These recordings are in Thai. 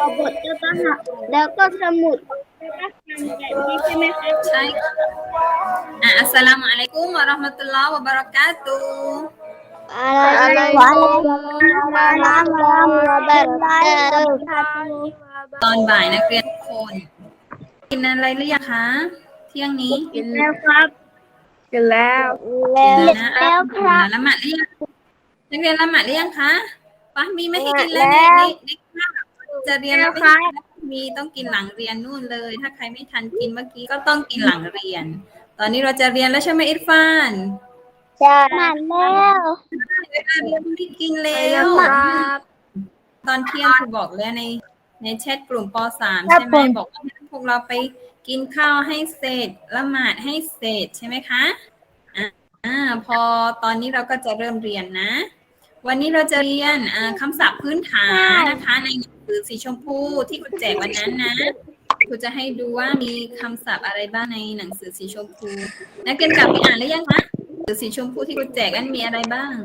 บทแล้วก็หักแล้วก็สมุดแล้วก็ทำแบบนี้ใช่ไหมคะใช่อัสสลามุอะลัยกุมวะเราะห์มะตุลลอฮ์วะบะเราะกาตุฮ์อะไรวะตอนบ่ายนักเรียนทุกคนกินอะไรหรือยังคะเที่ยงนี้กินแล้วครับกินแล้วแล้วครับละหมาดหรือยังนักเรียนละหมาดหรือยังคะปะมีไม่ให้กินแล้วในคาบจะเรียนแล้วไม่ให้มีต้องกินหลังเรียนนู่นเลย ถ้าใครไม่ทันกินเมื่อกี้ก็ต้องกินหลังเรียน ตอนนี้เราจะเรียนแล้วใช่ไหมอิรฟานใช่มาแล้วเวลาเรียนไม่กินแล้ว ตอนเที่ยงครูบอกแล้วในแชทกลุ่มป .3 ใช่ไหมบอกว่าให้พวกเราไปกินข้าวให้เสร็จละหมาดให้เสร็จใช่ไหมคะพอตอนนี้เราก็จะเริ่มเรียนนะ วันนี้เราจะเรียนคำศัพท์พื้นฐานนะคะในหนังสือสีชมพูที่ครูแจกวันนั้นนะครูจะให้ดูว่ามีคำศัพท์อะไรบ้างในหนังสือสีชมพูนักเรียนกลับไปอ่านหรือยังคะหนังสือสีชมพูที่ครูแจกนั้นมีอะไรบ้าง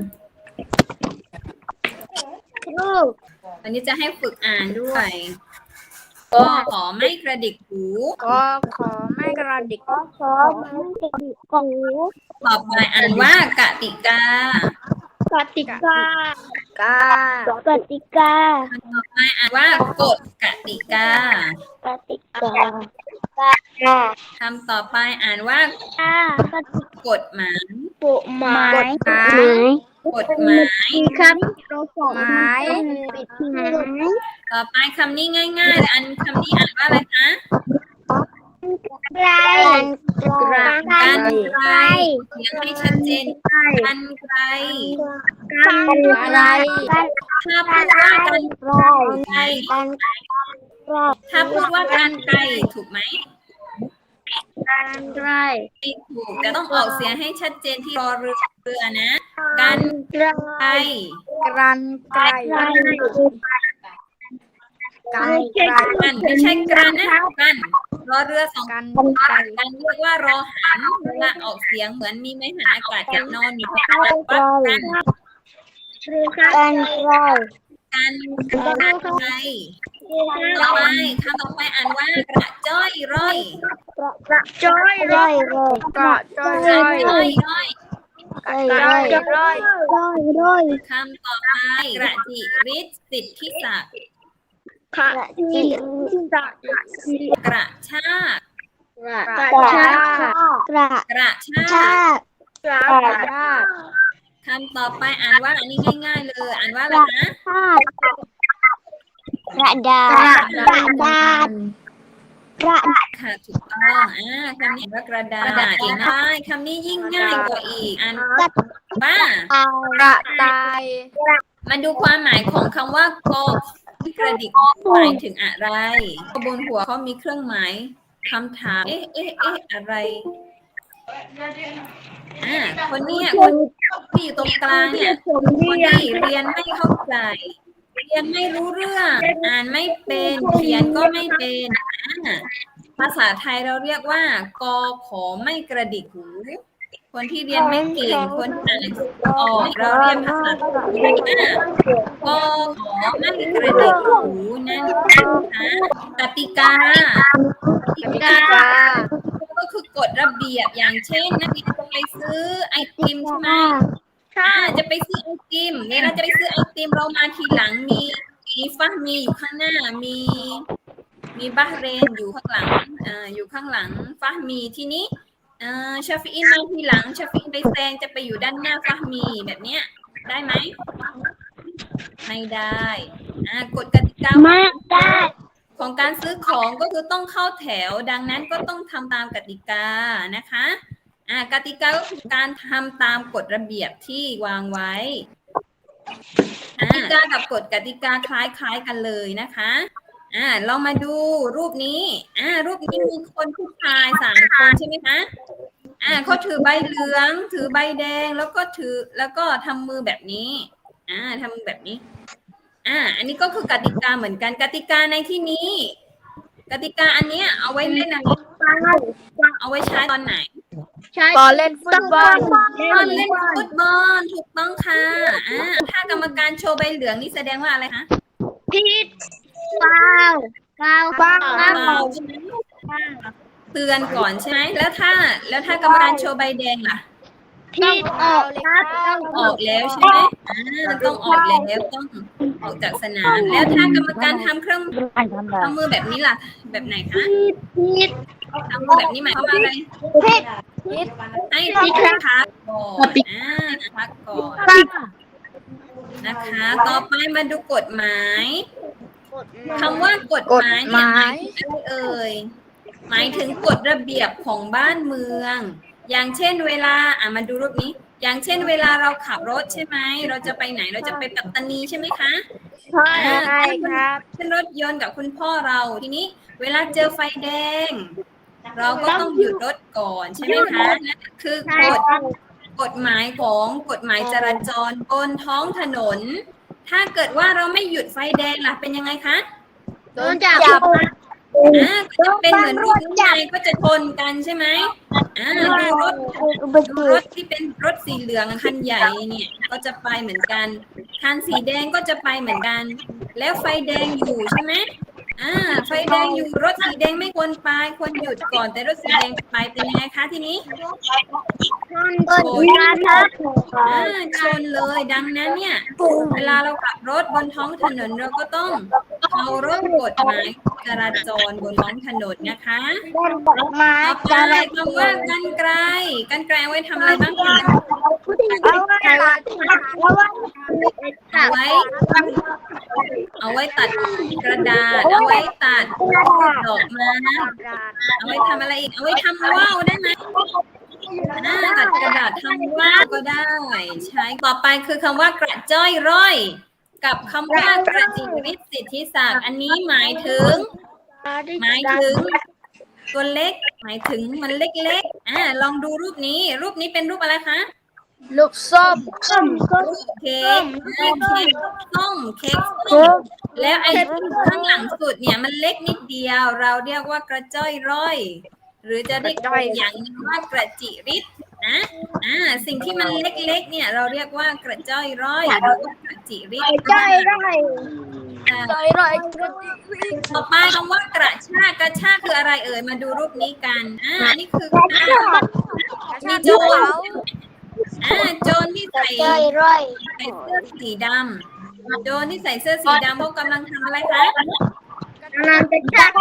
วันนี้จะให้ฝึกอ่านด้วยก็ขอไม่กระดิกหูก็ขอไม่กระดิกขอมันติดกูต่อไปอ่านว่ากติกากติกากากติกาต่อไปอ่านว่ากฎกติกากติกาคำต่อไปอ่านว่ากติกฎหมายกฎหมายกฎหมายครับเราสอนไม้ปิดหมายต่อไปคำนี้ง่ายๆอันคำนี้อ่านว่าอะไรคะไกลกันไกลเสียงให้ชัดเจนกันไกลกันไกลถ้าพูดว่ากันไกลกันไกลถ้าพูดว่ากันไกลถูกไหมกันไกลไม่ถูกแต่ต้องออกเสียงให้ชัดเจนที่รอเรือนะกันไกลกรันไกลกันไกลกันไม่ใช่กรันนะกันรอเรือสองกันกันเรียกว่ารอหันเวลาออกเสียงเหมือนมีไม้หันอากาศกับนอนอยู่ว่ากันกันไกลกันไกลต่อไปคำต่อไปอ่านว่ากระจ้อยร่อยจ้อยร้อยเกาะจ้อยกระร้อยจ้อยร่อยร้อยคำต่อไปกระจิริศสิทธิศักดิ์ค่ะจิตจักกระชากกระชากระกระชาชาก กระคำต่อไปอ่านว่าอันนี้ง่ายๆเลยอ่านว่าอะไรนะชากกระดาษกระดาษกระค่ะถูกต้องคำนี้ว่ากระดาษเก่งมากคำนี้ยิ่งง่ายกว่าอีกอ่านว่าเอากระต่ายมาดูความหมายของคำว่ากอกระดิกหมายถึงอะไรบนหัวเขามีเครื่องหมายคำถามอะไรคนนี้คนที่อยู่ตรงกลางเนี่ยคนที่เรียนไม่เข้าใจเรียนไม่รู้เรื่องอ่านไม่เป็นเขียนก็ไม่เป็นภาษาไทยเราเรียกว่ากอขอไม่กระดิกหูคนที่เรียนไม่เก่งคนอ่านหนังสือออกเราเรียนภาษาไทยว่ากอขอไม่กระดิกหูนั่นนะคะกติกา ก็คือกฎระเบียบอย่างเช่นนักเรียนจะไปซื้อไอติมใช่ไหมจะไปซื้อไอติมเนี่ยเราจะไปซื้อไอติมเรามาทีหลังมีฟะมีอยู่ข้างหน้ามีบาห์เรนอยู่ข้างหลังอยู่ข้างหลังฟะมีทีนี้ชาฟีอินมาทีหลังชาฟีอินไปแซงจะไปอยู่ด้านหน้าฟะมีแบบเนี้ยได้ไหมไม่ได้กฎกติกามาได้ของการซื้อของก็คือต้องเข้าแถวดังนั้นก็ต้องทำตามกติกานะคะกติกาก็คือการทำตามกฎระเบียบที่วางไว้กติกากับกฎกติกาคล้ายๆกันเลยนะคะลองมาดูรูปนี้รูปนี้มีคนผู้ชาย3 คนใช่ไหมคะเขาถือใบเหลืองถือใบแดงแล้วก็ทำมือแบบนี้ทำมือแบบนี้อันนี้ก็คือกติกาเหมือนกันกติกาในที่นี้ กติกาอันเนี้ยเอาไว้เล่นอะไรเอาไว้ใช้ตอนไหนตอนเล่นฟุตบอลตอนเล่นฟุตบอลถูกต้องค่ะถ้ากรรมการโชว์ใบเหลืองนี่แสดงว่าอะไรคะผิดเปล่าใช่ไหมเตือนก่อนใช่ไหมแล้วถ้ากรรมการโชว์ใบแดงล่ะผิดออกครับออกแล้วใช่ไหมต้องออกแล้วต้องออกจากสนามแล้วถ้ากรรมการทำเครื่องมือแบบนี้ล่ะแบบไหนคะผิดทำมือแบบนี้หมายความว่าอะไรผิดให้พักก่อนพักก่อนนะคะ ต่อไปมาดูกฎหมายคำว่ากฎหมายเนี่ยหมายถึงอะไรเอ่ยหมายถึงกฎระเบียบของบ้านเมือง อย่างเช่นเวลามาดูรูปนี้ อย่างเช่นเวลาเราขับรถใช่ไหมเราจะไปไหนเราจะไปปัตตานีใช่ไหมคะใช่ครับขึ้นรถยนต์กับคุณพ่อเราทีนี้เวลาเจอไฟแดง เราก็ต้องหยุดรถก่อนใช่ไหมคะนั่นคือกฎหมายของกฎหมายจราจรบนท้องถนน ถ้าเกิดว่าเราไม่หยุดไฟแดงล่ะเป็นยังไงคะโดนจับก็จะเป็นเหมือนรูปนี้ไงก็จะชนกันใช่ไหมดูรถที่เป็นรถสีเหลืองคันใหญ่เนี่ยก็จะไปเหมือนกันคันสีแดงก็จะไปเหมือนกัน แล้วไฟแดงอยู่ใช่ไหมไฟแดงอยู่รถสีแดงไม่ควรไปควรหยุดก่อนแต่รถสีแดงไปเป็นยังไงคะทีนี้ชนเลยดังนั้นเนี่ยเวลาเราขับรถบนท้องถนนเราก็ต้องเคารพกฎหมายจราจรบนท้องถนนนะคะต่อไปคำว่ากรรไกรเอาไว้ทำอะไรบ้างคะเอาไว้ตัดกระดาษเอาไว้ตัดดอกไม้เอาไว้ทำอะไรอีกเอาไว้ทำว่าวได้ไหมตัดกระดาษทำว่าวก็ได้ใช้ต่อไปคือคำว่ากระจ้อยร่อยกับคำว่ากระจิริศสิทธิศักดิ์อันนี้หมายถึงตัวเล็กหมายถึงมันเล็กๆลองดูรูปนี้เป็นรูปอะไรคะลูกส้มเค้กส้มแล้วไอ้ข้างหลังสุดเนี่ยมันเล็กนิดเดียวเราเรียกว่ากระจ้อยร่อยหรือจะเรียกอย่างนึงว่ากระจิริศนะสิ่งที่มันเล็กๆเนี่ยเราเรียกว่ากระจ้อยร่อยหรือว่ากระจิริศต่อไปคำว่ากระชากคืออะไรเอ่ยมาดูรูปนี้กันอันนี้คือมีโจรที่ใส่เสื้อสีดำโจรที่ใส่เสื้อสีดำเขากำลังทำอะไรคะกำลังกระชาก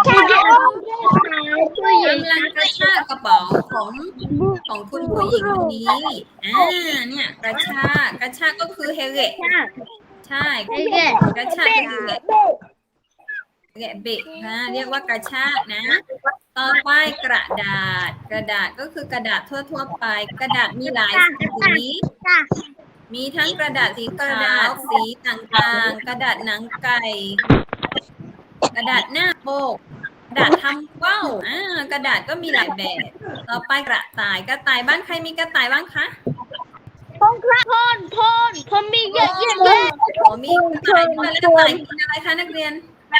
กระเป๋าของคุณผู้หญิงคนนี้เนี่ยกระชากก็คือเฮเกะใช่กระชากเฮเกะเบะเรียกว่ากระชากนะต่อไปกระดาษก็คือกระดาษทั่วไปกระดาษมีหลายสีมีทั้งกระดาษสีขาวสีต่างๆกระดาษหนังไก่กระดาษหน้าปกกระดาษทำว่าวกระดาษก็มีหลายแบบต่อไปกระต่ายบ้านใครมีกระต่ายบ้างคะพ่นมีเยอะมีกระต่ายด้วยแล้วกระต่ายกินอะไรคะนักเรียน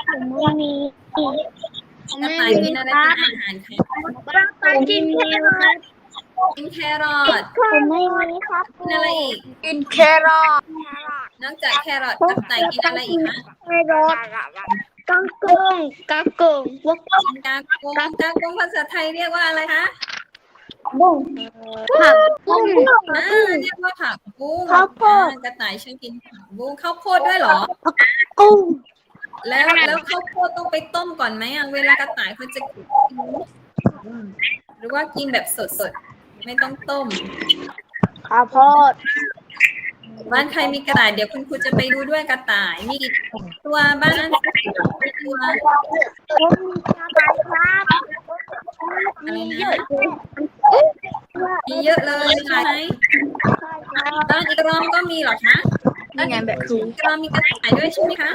กระต่ายกินอะไรเป็นอาหารคะกินแครอทกินอะไรอีกกินแครอทนอกจากแครอทกระต่ายกินอะไรอีกคะกางกุ้งกางกุ้งภาษาไทยเรียกว่าอะไรคะผักบุ้งเรียกว่าผักบุ้งกระต่ายชอบกินผักบุ้งข้าวโพดด้วยเหรอกุ้งแล้วข้าวโพดต้องไปต้มก่อนไหมเวลากระต่ายเขาจะกินหรือว่ากินแบบสดๆไม่ต้องต้มข้าวโพดบ้านใครมีกระต่ายเดี๋ยวคุณครูจะไปดูด้วยกระต่ายมีกี่ตัวบ้านตัวมีเยอะเลยใช่ไหมบ้านอีกรอมก็มีเหรอคะนี่ไงแบบครูอีกรอมมีกระต่ายด้วยใช่ไหมคะ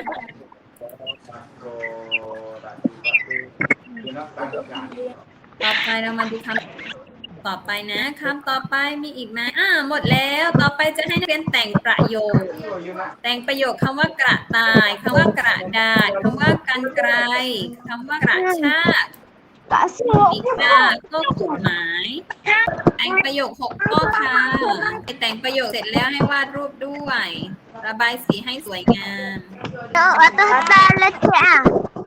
ต่อไปเรามาดูคำต่อไปนะคำต่อไปมีอีกไหมหมดแล้วต่อไปจะให้นักเรียนแต่งประโยคคำว่ากระต่ายคำว่ากระดาษคำว่ากรรไกรคำว่ากระชากอีกข้อกฎหมายแต่งประโยค6ข้อค่ะแต่งประโยคเสร็จแล้วให้วาดรูปด้วยระบายสีให้สวยงามแล้วจ้า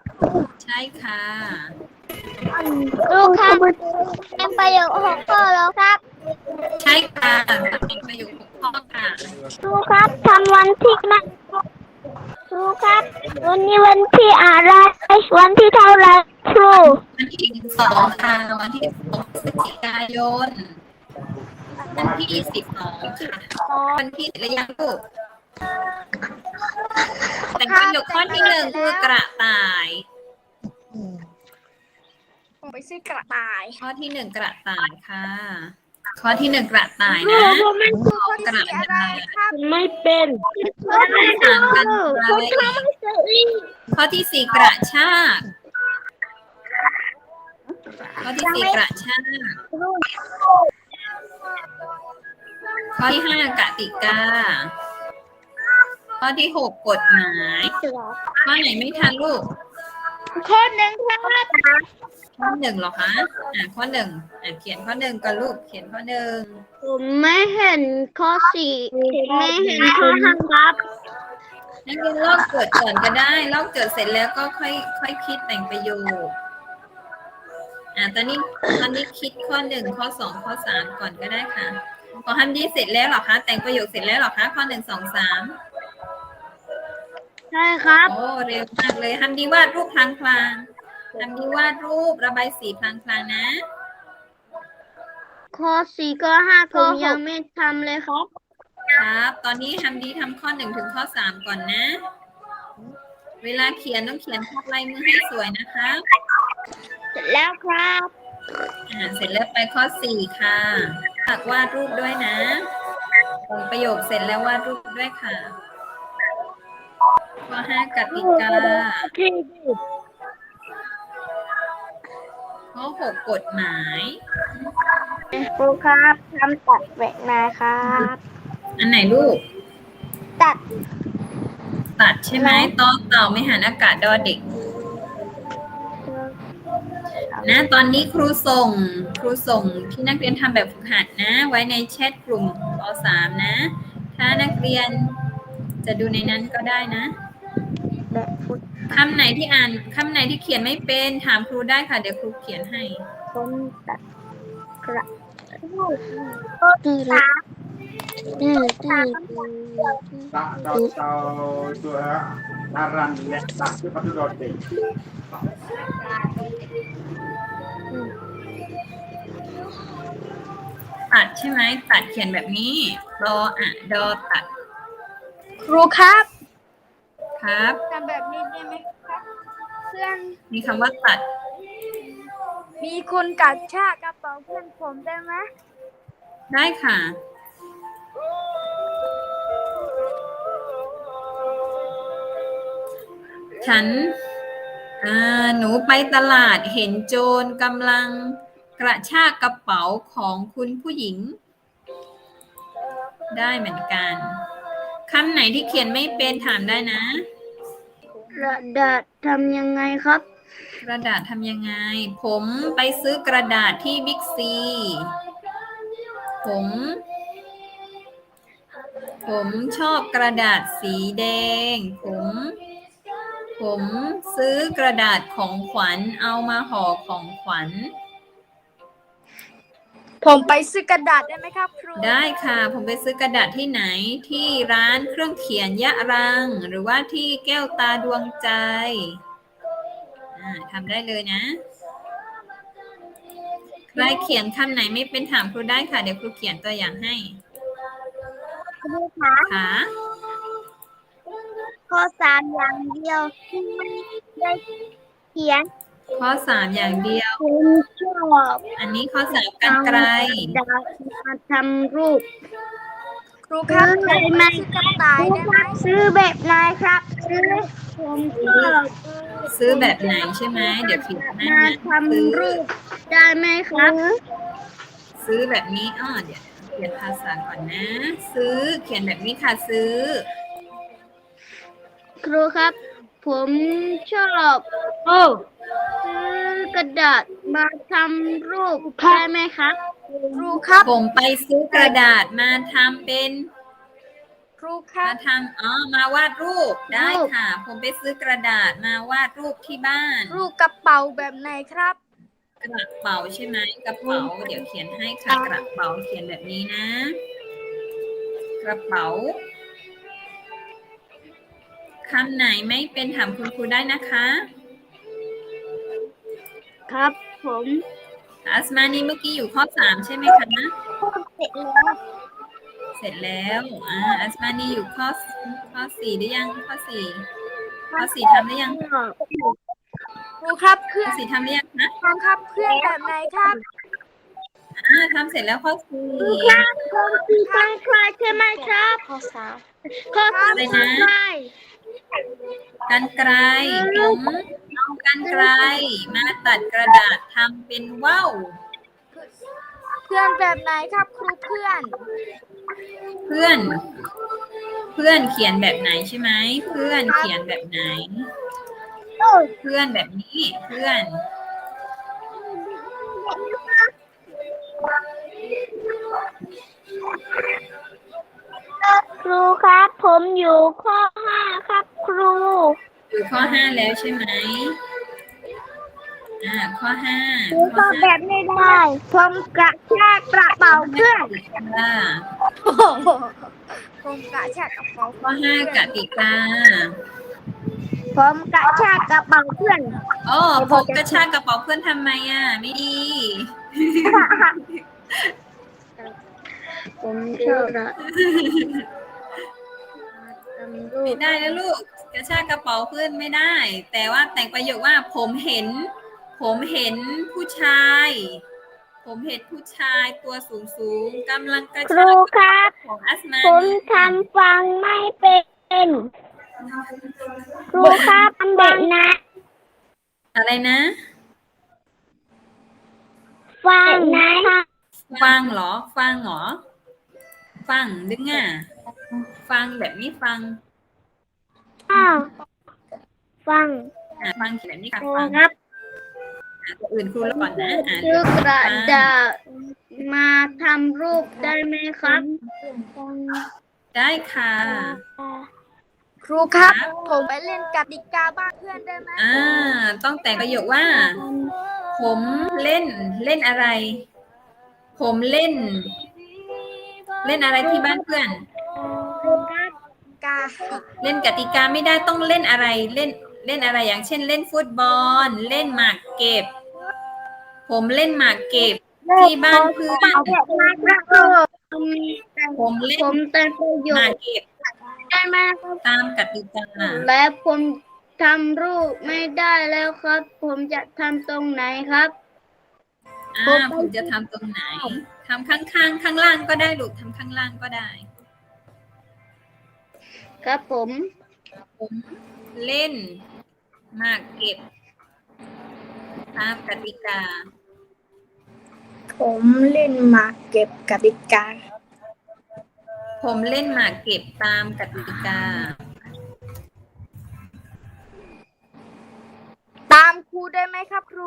ช่ค่ะครูครับเป็นประโยค6 ข้อแล้วครับใช่ค่ะเป็นประโยค6 ข้อค่ะครูครับทำวันที่นะครูครับวันนี้วันที่อะไรวันที่เท่าไหรครูวันที่12ค่ะวันที่12พฤศจิกายนวันที่12ค่ะวันที่หรือยังลูกแต่ประโยคข้อที่1คือกระต่ายผมไปซื้อกระต่ายข้อที่1กระต่ายค่ะ ข้อที่1กระต่ายนะ กระอะไรต่ายครับไม่เป็นต่างกันไปข้อที่4กระชากข้อที่4กระชากข้อที่5กติกา ข้อที่6กฎหมาย ข้อไหนไม่ทันลูกข้อหนึ่งครับข้อ1เหรอคะข้อ1เขียนข้อ1ก่อนลูก เขียนข้อ1 ผมไม่เห็นข้อ4ไม่เห็นข้อ5ครับนักเรียนลอกโจทย์ก่อนก็ได้ ลอกโจทย์เสร็จแล้วก็ค่อยคิดแต่งประโยค ตอนนี้คิดข้อ1ข้อ2ข้อ3ก่อนก็ได้ค่ะพอทำดีเสร็จแล้วเหรอคะ แต่งประโยคเสร็จแล้วเหรอคะ ข้อ1 2 3 ใช่ครับโอ้เร็วมากเลยทำดีวาดรูปพลางๆทำดีวาดรูประบายสีพลางๆนะข้อ4ข้อ5ผมยังไม่ทำเลยครับครับ ตอนนี้ทำดีทำข้อ1ถึงข้อ3ก่อนนะ เวลาเขียนต้องเขียนทับลายมือให้สวยนะคะเสร็จแล้วครับเสร็จแล้วไปข้อ4ค่ะฝากวาดรูปด้วยนะส่งประโยคเสร็จแล้ววาดรูปด้วยค่ะ ข้อ5กติกา ข้อ6กฎหมายครูครับทำตัดแหวกนาครับอันไหนลูกตัดตัดใช่ไหมต่อเต่าไม่หันอากาศดอเด็ก นะตอนนี้ครูส่งที่นักเรียนทำแบบฝึกหัดนะ ไว้ในแชทกลุ่มป .3 นะ ถ้านักเรียนจะดูในนั้นก็ได้นะแบบฟุตคำไหนที่คำไหนที่เขียนไม่เป็นถามครูได้ค่ะ เดี๋ยวครูเขียนให้ผมตัดกระตีละ Tahu itu aran lihat tapi pada roti. ตัดใช่ไหมตัดเขียนแบบนี้รอดอตัดครูครับครับทำแบบนี้ได้ไหมครับเพื่อนมีคำว่าตัดมีคนกัดชากกระเป๋าเพื่อนผมได้ไหมได้ค่ะ หนูไปตลาดเห็นโจรกำลังกระชากกระเป๋าของคุณผู้หญิง ได้เหมือนกันคำไหนที่เขียนไม่เป็นถามได้นะกระดาษทำยังไงครับกระดาษทำยังไง ผมไปซื้อกระดาษที่บิ๊กซี ผมชอบกระดาษสีแดง ผมซื้อกระดาษของขวัญเอามาห่อของขวัญผมไปซื้อกระดาษได้ไหมครับครูได้ค่ะ ผมไปซื้อกระดาษที่ไหนที่ร้านเครื่องเขียนยะรัง หรือว่าที่แก้วตาดวงใจทำได้เลยนะใครเขียนคำไหนไม่เป็นถามครูได้ค่ะ เดี๋ยวครูเขียนตัวอย่างให้ค่ะข้อ3อย่างเดียวที่ไม่ได้เขียนข้อ3อย่างเดียวผมชอบอันนี้ข้อ3กรรไกรดาษมาทำรูปครูครับซื้อได้ไหมซื้อกระต่ายได้ไหมซื้อแบบไหนครับ ซื้อผมชอบซื้อแบบไหนใช่ไหมเดี๋ยวเขียนให้มานะทำรูปได้ไหมครับซื้อแบบนี้เดี๋ยวเขียนภาษาก่อนนะ ซื้อเขียนแบบนี้ค่ะซื้อครูครับ ผมชอบซื้อกระดาษมาทำรูปได้ไหมครับครูครับผมไปซื้อกระดาษมาทำเป็นครูครับมาวาดรูปได้ค่ะ ผมไปซื้อกระดาษมาวาดรูปที่บ้านรูปกระเป๋าแบบไหนครับกระเป๋าใช่ไหมกระเป๋าเดี๋ยวเขียนให้ค่ะกระเป๋าเขียนแบบนี้นะ กระเป๋าคำไหนไม่เป็นถามคุณครูได้นะคะครับผมอัสมานีเมื่อกี้อยู่ข้อ 3ใช่ไหมคะเสร็จแล้วเสร็จแล้วอัสมานีอยู่ข้อ 4ได้ยังข้อ 4ทำได้ยังครูครับเพื่ข้ออน 4ทำได้ยังนะครูครับเพื่อนแบบไหนครับทำเสร็จแล้วข้อ 4 คือฟังใครใช่ไหมครับข้อสามข้อสามอะไรนะใครกรรไกรผมเอากรรไกรมาตัดกระดาษทำเป็นว่าวเพื่อนแบบไหนครับครูเพื่อนเพื่อนเขียนแบบไหนใช่ไหมเพื่อนเขียนแบบไหน เพื่อนแบบนี้เพื่อนครูครับผมอยู่ข้อ 5ครับครูอยู่ข้อ 5แล้วใช่ไหมข้อ 5 ครูก็แบบไม่ได้ผมกระชากกระเป๋าเพื่อนโอ้โหผมกระชากกระเป๋าข้อ 5 กติกาผมกระชากกระเป๋าเพื่อนผมกระชากกระเป๋าเพื่อนทำไมไม่ดีผมชอบนะไม่ได้นะลูกกระชากกระเป๋าเพื่อนไม่ได้ แต่ว่าแต่งประโยคว่าผมเห็นผู้ชายตัวสูงกำลังกระคชารูกกระคเป๋ารับของอัสมาผมทำฟังไม่เป็นครูครับทำแบบนะอะไรนะฟังนะฟังเหรอฟังดึงฟังแบบนี้ฟังฟังฟังเขียนแบบนี้ค่ะครูฟังครับตัวอื่นครูแล้วก่อนนะซื้อกระดาษมาทำรูปได้ไหมครับได้ค่ะครูครับ ผมไปเล่นกติกาบ้านเพื่อนได้ไหมต้องแต่งประโยคว่า ผมเล่นอะไร ผมเล่นอะไรที่บ้านเพื่อนกาเล่นกติกาไม่ได้ต้องเล่นอะไรเล่นอะไรอย่างเช่นเล่นฟุตบอลเล่นหมากเก็บ ผมเล่นหมากเก็บที่บ้านเพื่อนผมเล่นผมแต่งประโยหมาคกเก็บได้ไหมครับตามกติกาและผมทำรูปไม่ได้แล้วครับ ผมจะทำตรงไหนครับผมจะทำตรงไหนทำข้างล่างก็ได้ลูกทำข้างล่างก็ได้ครับผมผมเล่นหมากเก็บตามกติกาผมเล่นหมากเก็บกติกาผมเล่นหมากเก็บตามกติกาตามครูได้ไหมครับครู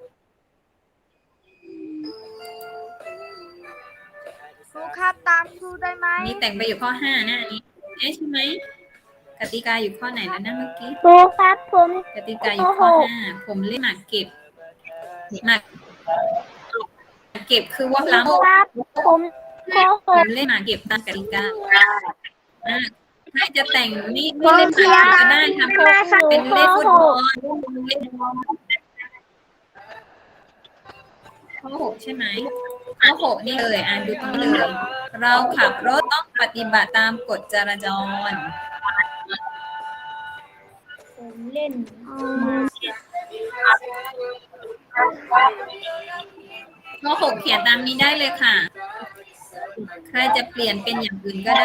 ครูครับตามครูได้ไหมนี่แต่งไปอยู่ข้อ 5นะอันนี้ใช่ไหมกติกาอยู่ข้อไหนแล้วนะเมื่อกี้ครูครับผมกติกาอยู่ข้อ 5ผมเล่นหมากเก็บหมากเก็บคือว่าล้ำครับผมโกหผกมเล่นหมากเก็บตามกติกาใครจะแต่งไม่เล่นหมากเก็บก็ได้ทำเป็นเล่นฟุตบอลข้อ 6ใช่ไหมข้อ 6นี่เลยดูตรงนี้เลยเราขับรถต้องปฏิบัติตามกฎจราจรผมเล่นข้อ 6เขียนตามนี้ได้เลยค่ะ ใครจะเปลี่ยนเป็นอย่างอื่นก็ได้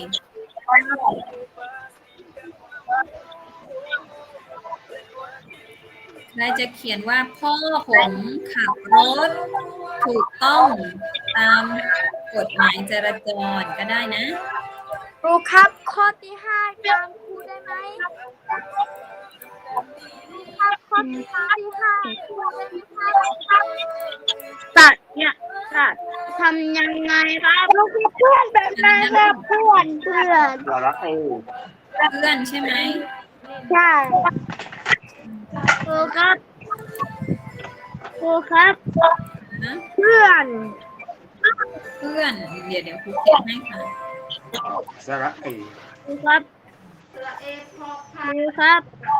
ใครจะเขียนว่าพ่อผมขับรถถูกต้องตามกฎหมายจราจรก็ได้นะครูครับข้อที่ 5ตามครูได้ไหมครับข้อที่ 5ครูได้ไหมครับตัดเนี่ยทำยังไงครับลูกเพื่อนแบบไหนครับเพื่อนสระเอเพื่อนใช่ไหมใช่ครูครับครูครับนะเพื่อนเพื่อนเดี๋ยวครูเขียนให้ค่ะสระเอครูครับครูครับ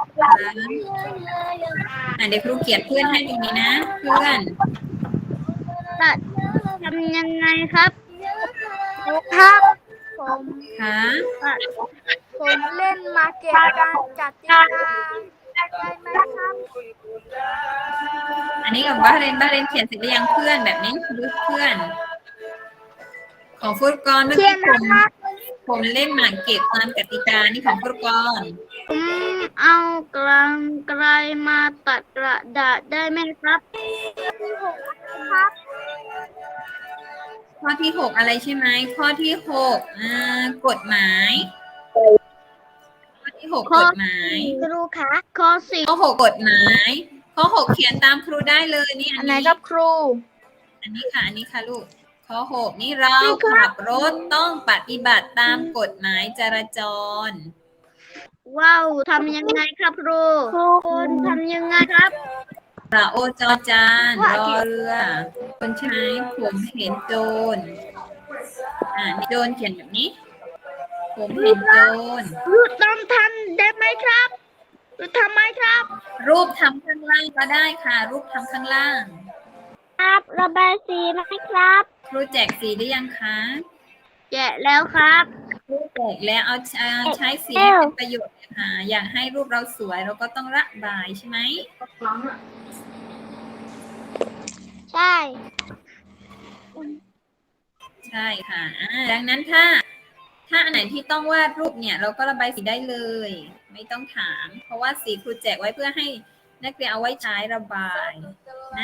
เดี๋ยวครูเขียนเพื่อนให้ตรงนี้นะ เพื่อนตัดทำยังไงครับครูครับผมค่ะผมเล่นมาเก็บการจัดติกาได้ไหมครับอันนี้กับบ้าเรนเขียนเสร็จหรือยังเพื่อนแบบนี้ดูเพื่อน ของฟุตกรเมื่อกี้ผมเล่นหมากเก็บตามกติกานี่ของฟุตกรผมเอากลางไกลมาตัดกระดาษได้ไหมครับครับข้อที่ 6อะไรใช่ไหมข้อที่ 6กฎหมายข้อที่ 6กฎหมายครูคะข้อสี่ข้อ 6กฎหมายข้อ 6เขียนตามครูได้เลยนี่อันไหนนี้ครับครูอันนี้ค่ะลูกข้อ 6นี่เราขับรถต้องปฏิบัติตามกฎหมายจราจรว้าวทำยังไงครับครูคุณทำยังไงครับระโอจอจานรอเรือคนใช่ไหมผมเห็นโจรโจรเขียนแบบนี้ ผมเห็นโจรรูปต้องทำได้ไหมครับรูปทำไหมครับรูปทำข้างล่างก็ได้ค่ะ รูปทำข้างล่างครับระบายสีไหมครับครูแจกสีได้ยังคะแกะแล้วครับครูแจกแล้วเอาใช้สีให้เป็นประโยชน์ค่ะอยากให้รูปเราสวยเราก็ต้องระบายใช่ไหมใช่ใช่ค่ะดังนั้นถ้าอันไหนที่ต้องวาดรูปเนี่ยเราก็ระบายสีได้เลย ไม่ต้องถาม เพราะว่าสีครูแจกไว้เพื่อให้นักเรียนเอาไว้ใช้ระบายนะ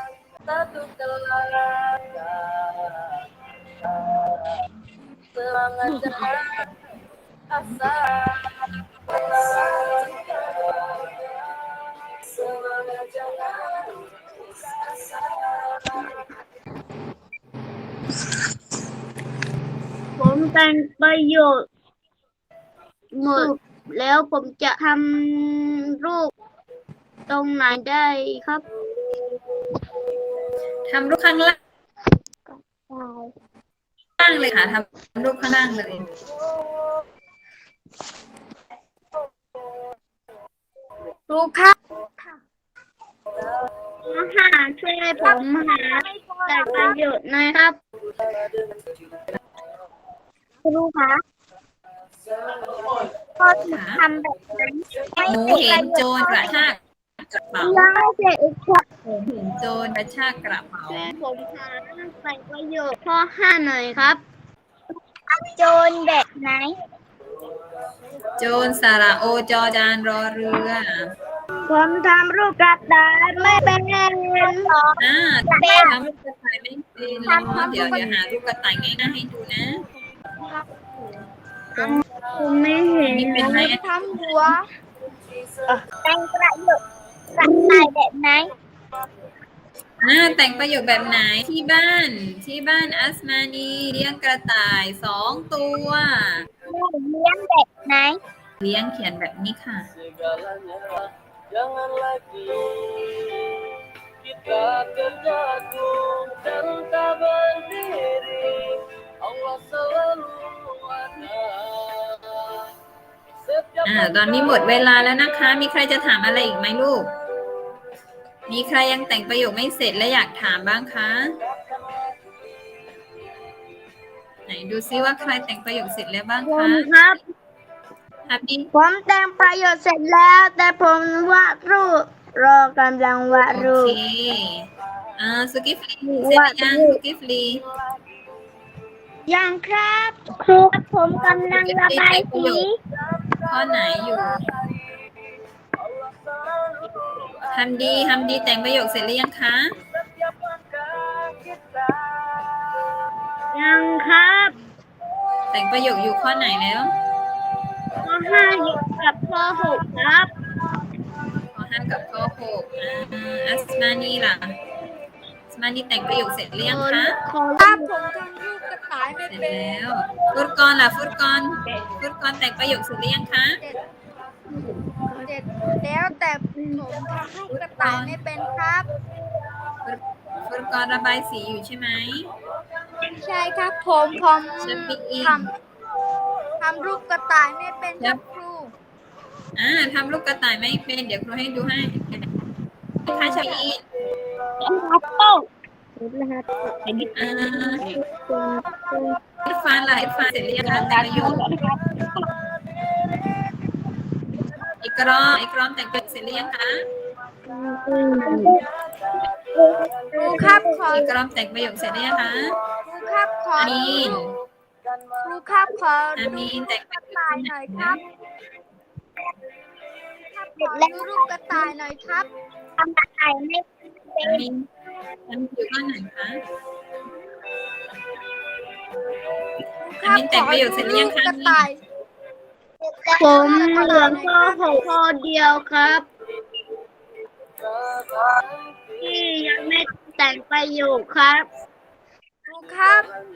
ผมแต่งประโยชน์หมดแล้วผมจะทำรูปตรงไหนได้ครับทำรูปข้างล่างเลยค่ะทำรูปข้างล่างเลยครูครับช่วยผมหาแต่งประโยชน์หน่อยครับครูคะพอทำแบบนั้นหนูเห็นโจรกระชากกระเป๋าได้เด็กอีกคนเห็นโจรกระชากกระเป๋าผมหาแต่งประโยชน์ข้อ5หน่อยครับโจรแบบไหนโจรสระโอจอจานรอเรือผมทำรูปกระดาษไม่เป็นทำรูปกระต่ายไม่เป็นหรอเดี๋ยวหารูปกระต่ายง่ายๆให้ดูนะผมไม่เห็นนี่เป็นไหมทำหัวแต่งประโยคกระต่ายแบบไหนแต่งประโยคแบบไหนที่บ้านอัสมานีเลี้ยงกระต่าย2 ตัวเลี้ยงแบบไหนเลี้ยงเขียนแบบนี้ค่ะ Jangan lagi kita terjatuh dan tak berdiri. Allah selalu ada. ตอนนี้หมดเวลาแล้วนะคะ มีใครจะถามอะไรอีกไหมลูก มีใครยังแต่งประโยคไม่เสร็จและอยากถามบ้างคะ ไหนดูซิว่าใครแต่งประโยคเสร็จแล้วบ้างผคะมครับครับดิผมแต่งประโยชน์เสร็จแล้ว แต่ผมวาดรูปรอกำลังวาดโอรูปเคสุกิฟลีเสร็จหรือยังสุกิฟลียังครับครูผมกำลังระบายสีข้อไหนอยู่ทำดีแต่งประโยคเสร็จหรือยังคะยังครับแต่งประโยคอยู่ข้อไหนแล้วข้อ5อยู่กับข้อ6ครับข้อ 5กับข้อ 6อัสมานีล่ะอัสมานีแต่งประโยคเสร็จหรือยังคะครับผมทำรูปกระต่ายไม่เสร็จเป็นแล้วฟุตกรล่ะฟุตกรแต่งประโยคเสร็จหรือยังคะเสร็จแล้วแต่ผมทำรูปกระต่ายไม่เป็นครับฟุตกรระบายสีอยู่ใช่ไหมใช่ครับผมจะปิดอีกทำรูปกระต่ายไม่เป็นครับครูทำรูปกระต่ายไม่เป็นเดี๋ยวครูให้ดูให้ค่ะชาอี อิรฟานล่ะอิรฟานเสร็จหรือยังคะแต่งประโยคอิกรอมแต่งประโยคเสร็จหรือยังคะครูครับขออิกรอมแต่งประโยคเสร็จหรือยังคะครูครับขออามีนครูครับขออาดูมีนแต่งกระต่ายหน่อยครับขอดูรูปกระต่ายหน่อยครับทำอะไรไม่อามีนอยู่ข้างไหนคะอามีนแต่งประโยคเสร็จหรือยังคะกระต่ายผมเหลือข้อหกข้อเดียวครับ ที่ยังไม่แต่งประโยคครับครูครับ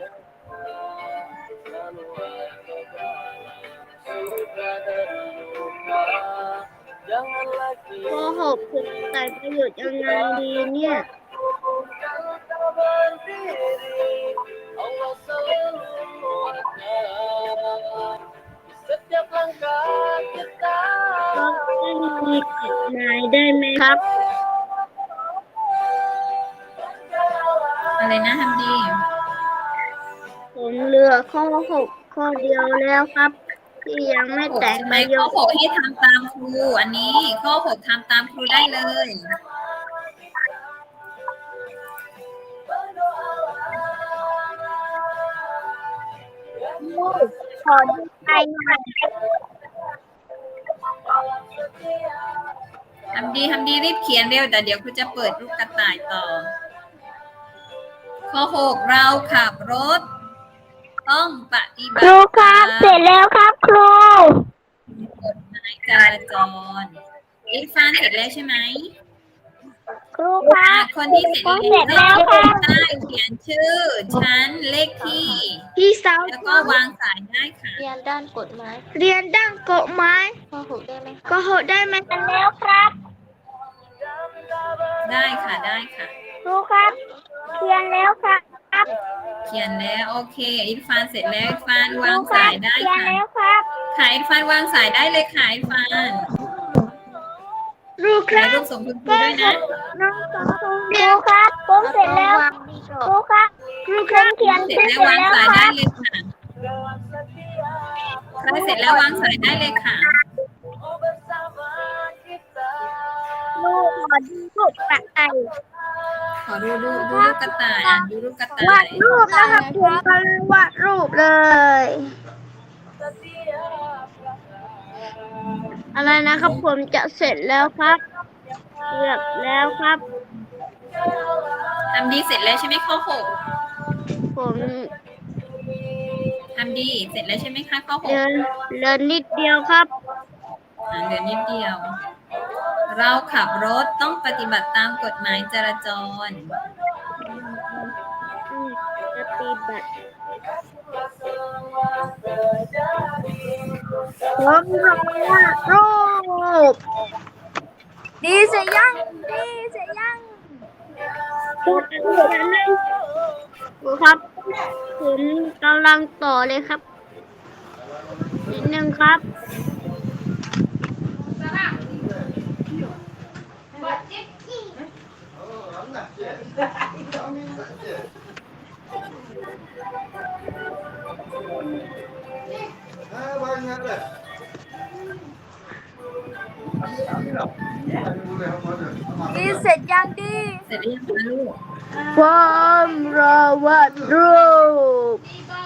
Jangan lagi ข้อหกผมแต่งประโยคยังไงดีเนี่ย tak berdiri. Allah selalu menguatkan setiap langkah kita. ก็ไม่มีกฎหมายได้ไหมครับอะไรนะฮัมดีผมเหลือข้อหกข้อเดียวแล้วครับ ที่ยังไม่แต่งใช่ไหปมระโยข้อค 6ให้ทำตามครูอันนี้ข้อ6ทำตามครูได้เลยขอดูใจหน่อยฮัมดีรีบเขียนเร็วแต่เดี๋ยวครูจะเปิดรูปกระต่ายต่อ ข้อ6เราขับรถ ต้องปฏิบัคติรูครับเสร็จแล้วครับครูกฎหมายจราจรอิรฟานเสร็จแล้วใช่ไหมครูครับคนที่เสร็จเสร็จแล้วครับได้เขียนชื่อ ชั้นเลขที่พี่สาวแล้วก็วางสายได้ค่ะเรียนด้านกฎหมายเรียนด้านกฎหมายข้อหกได้ไหมก็หดได้ไหมแล้วครับได้ค่ะได้ค่ะครูครับเขียนแล้วครับเขียนแล้วโอเคอิรฟานเสร็จแล้วอิรฟานครูวางครัสาบยได้เขียนค่ะแล้วครับค่ะอิรฟานวางสายได้เลยค่ะอิรฟานครูคถ่ายรับรูปส่งคุณครูด้วยนะน้องสองครูครับผมเสร็จแล้วครูครับครูครับเขียนเสร็จเสร็จแล้ววางแล้วสายคได้รับเลยค่ะใครเสร็จแล้ววางสายได้เลยค่ะลูกขอดูรูปกระต่ายขอดูรูปกระต่ายดูรูปกระต่าวาย ดรูปนะครับผมกำลังวาดรูปเลย อะไรนะครับผมจะเสร็จแล้วครับเกือบแล้วครับทำดีเสร็จแล้วใช่ไหมข้อ6 ผมทำดีเสร็จแล้วใช่ไหมคะข้อ6 เดินนิดเดียวครับเหลือนิดเดียว เราขับรถต้องปฏิบัติตามกฎหมายจราจรปฏิบัติผมรอวาดรูปดีเสียยัง ดีเสียยังพูดครับ ผมกำลังต่อเลยครับนิดนึงครับดีเสร็จยังดีเสร็จหรือยังคะลูกผมรอวาดรูป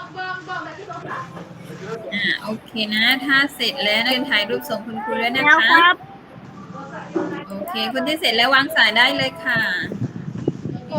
โอเคนะ ถ้าเสร็จแล้วนักเรียนถ่ายรูปส่งคุณครูด้วยนะแล้วคะครับโอเค คนที่เสร็จแล้ววางสายได้เลยค่ะ